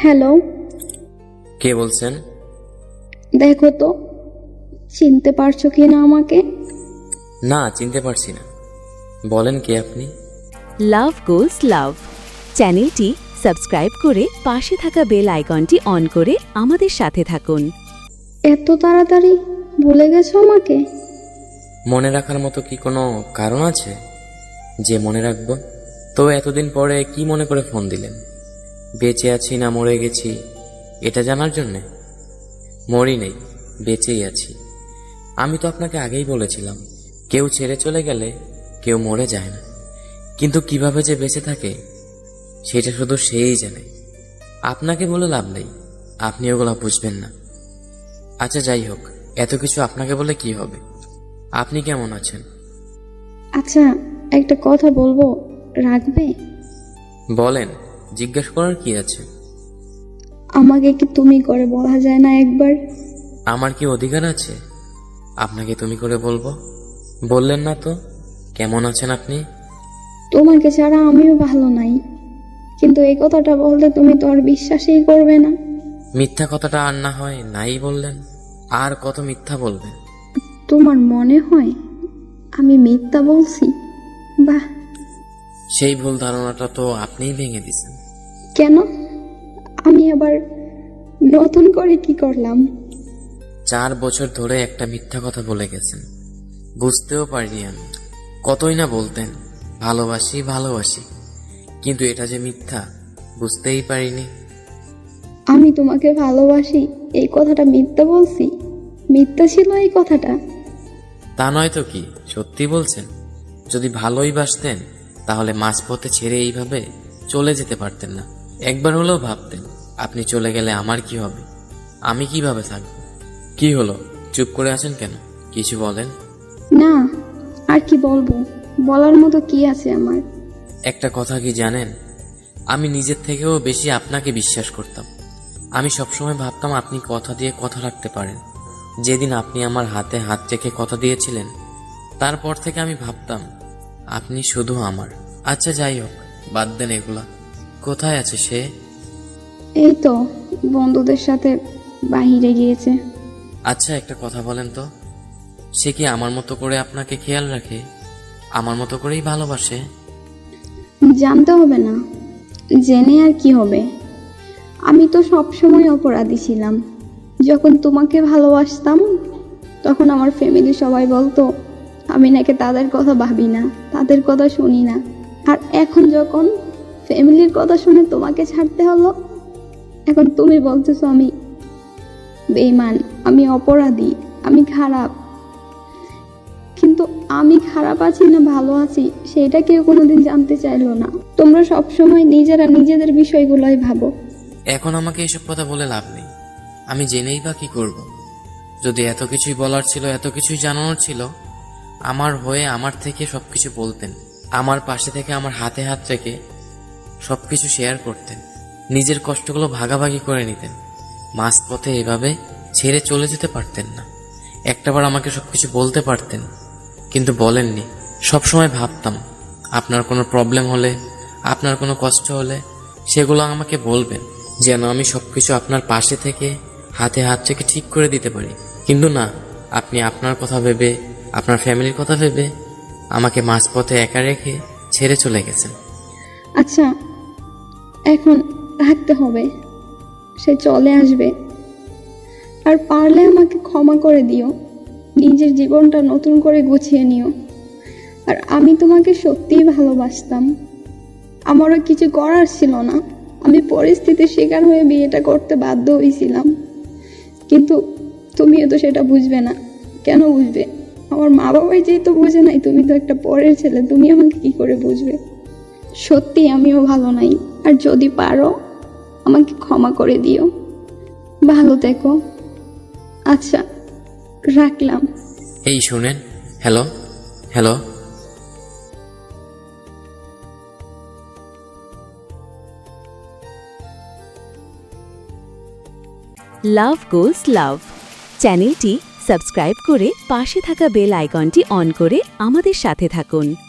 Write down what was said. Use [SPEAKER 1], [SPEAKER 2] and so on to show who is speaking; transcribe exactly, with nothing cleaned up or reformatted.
[SPEAKER 1] Hello,
[SPEAKER 2] কে বলছেন?
[SPEAKER 1] দেখো তো চিনতে পারছো কি না আমাকে?
[SPEAKER 2] না, চিনতে পারছি না। বলেন কে আপনি?
[SPEAKER 3] লাভ গোলস লাভ চ্যানেলটি সাবস্ক্রাইব করে পাশে থাকা বেল আইকনটি অন করে আমাদের সাথে থাকুন।
[SPEAKER 1] এত তাড়াতাড়ি ভুলে গেছো আমাকে?
[SPEAKER 2] মনে রাখার মতো কি কোনো কারণ আছে যে মনে রাখবো? তো এতদিন পরে কি মনে করে ফোন দিলেন? বেঁচে আছি না মরে গেছি এটা জানার জন্যে? মরি নেই, বেঁচেই আছি। আমি তো আপনাকে আগেই বলেছিলাম, কেউ ছেড়ে চলে গেলে কেউ মরে যায় না, কিন্তু কিভাবে যে বেঁচে থাকে সেটা শুধু সেই জানে। আপনাকে বলে লাভ নেই, আপনি ওগুলা বুঝবেন না। আচ্ছা যাই হোক, এত কিছু আপনাকে বলে কি হবে? আপনি কেমন আছেন?
[SPEAKER 1] আচ্ছা, একটা কথা বলবো, রাখবে?
[SPEAKER 2] বলেন, জিজ্ঞেস করার কি আছে?
[SPEAKER 1] আমাকে কি তুমি করে বলা যায় না একবার?
[SPEAKER 2] আমার কি অধিকার আছে আপনাকে তুমি করে বলবো? বললেন না তো কেমন আছেন আপনি?
[SPEAKER 1] তোমাকে ছাড়া আমিও ভালো নাই, কিন্তু এই কথাটা বলতে তুমি তো আর বিশ্বাসই করবে না।
[SPEAKER 2] মিথ্যা কথাটা আর না হয় নাই বললেন, আর কত মিথ্যা বলবেন?
[SPEAKER 1] তোমার মনে হয় আমি মিথ্যা বলছি? বাহ,
[SPEAKER 2] সেই ভুল ধারণাটা তো আপনিই ভেঙে দিছেন।
[SPEAKER 1] কেন? আমি আবার নতুন করে কি করলাম?
[SPEAKER 2] চার বছর ধরে একটা মিথ্যা কথা বলে গেছেন, বুঝতেও পারিনি আমি। কতই না বলতেন ভালোবাসি ভালোবাসি, কিন্তু এটা যে মিথ্যা বুঝতেই পারিনি।
[SPEAKER 1] আমি তোমাকে ভালোবাসি এই কথাটা মিথ্যা বলছি? মিথ্যা ছিল এই কথাটা?
[SPEAKER 2] তা নয় তো কি, সত্যি বলছেন? যদি ভালোই বাসতেন তাহলে মাঝপথে ছেড়ে এইভাবে চলে যেতে পারতেন না। একবার হলেও ভাবতেন আপনি চলে গেলে আমার কি হবে, আমি কিভাবে থাকব। কি হলো, চুপ করে আছেন কেন? কিছু বলেন।
[SPEAKER 1] না, আর কি বলবো? বলার মতো কি আছে আমার?
[SPEAKER 2] একটা কথা কি জানেন, আমি নিজের থেকেও বেশি আপনাকে বিশ্বাস করতাম। আমি সবসময় ভাবতাম আপনি কথা দিয়ে কথা রাখতে পারেন। যেদিন আপনি আমার হাতে হাত রেখে কথা দিয়েছিলেন, তারপর থেকে আমি ভাবতাম আপনি শুধু আমার। আচ্ছা যাই হোক, বাদ দেন এগুলা। কোথায় আছে সে?
[SPEAKER 1] এই তো বন্ধুদের সাথে বাহিরে গিয়েছে।
[SPEAKER 2] আচ্ছা একটা কথা বলেন তো, সে কি আমার মতো করে আপনাকে খেয়াল রাখে, আমার মতো করেই ভালোবাসে?
[SPEAKER 1] জানতে হবে না, জেনে আর কি হবে? আমি তো সব সময় অপরাধী ছিলাম। যখন তোমাকে ভালোবাসতাম তখন আমার ফ্যামিলি সবাই বলতো আমি নাকি তাদের কথা ভাবি না, তাদের কথা শুনি না। আর এখন যখন ফ্যামিলির কথা শুনে তোমাকে ছাড়তে হলো, এখন তুমি বলতেছো আমি বেঈমান, আমি অপরাধী, আমি খারাপ। কিন্তু আমি খারাপ আছি না ভালো আছি সেটা কেউ কোনোদিন জানতে চাইলো না। তোমরা সবসময় নিজেরা নিজেদের বিষয়গুলোই ভাবো।
[SPEAKER 2] এখন আমাকে এসব কথা বলে লাভ নেই, আমি জেনেই বা কি করব? যদি এত কিছুই বলার ছিল, এত কিছুই জানানোর ছিল, আমার হয়ে আমার থেকে সবকিছু বলতেন, আমার পাশে থেকে আমার হাতে হাত রেখে সবকিছু শেয়ার করতেন, নিজের কষ্টগুলো ভাগাভাগি করে নিতেন। মাঝপথে এভাবে ছেড়ে চলে যেতে পারতেন না। একটাবার আমাকে সবকিছু বলতে পারতেন, কিন্তু বলেননি। সবসময় ভাবতাম আপনার কোনো প্রবলেম হলে, আপনার কোনো কষ্ট হলে সেগুলো আমাকে বলবেন, যেন আমি সবকিছু আপনার পাশে থেকে হাতে হাত রেখে ঠিক করে দিতে পারি। কিন্তু না, আপনি আপনার কথা ভেবে, আপনার ফ্যামিলির কথা ভেবে আমাকে মাঝপথে একা রেখে ছেড়ে চলে গেছেন।
[SPEAKER 1] আচ্ছা, এখন রাখতে হবে, সে চলে আসবে। আর পারলে আমাকে ক্ষমা করে দিও, নিজের জীবনটা নতুন করে গুছিয়ে নিও। আর আমি তোমাকে সত্যিই ভালোবাসতাম, আমারও কিছু করার ছিল না, আমি পরিস্থিতির শিকার হয়ে বিয়েটা করতে বাধ্য হয়েছিলাম। কিন্তু তুমিও তো সেটা বুঝবে না। কেন বুঝবে? আমার মা বাবাই যেহেতু বুঝে নাই, তুমি তো একটা পরের ছেলে, তুমি আমাকে কি করে বুঝবে? সত্যি আমিও ভালো নাই, আর যদি পারো আমাকে ক্ষমা করে দিও। ভালো থেকো। আচ্ছা, রাখলাম।
[SPEAKER 2] এই শুনেন, hello hello
[SPEAKER 3] love goals love চ্যানেলটি সাবস্ক্রাইব করে পাশে থাকা বেল আইকনটি অন করে আমাদের সাথে থাকুন।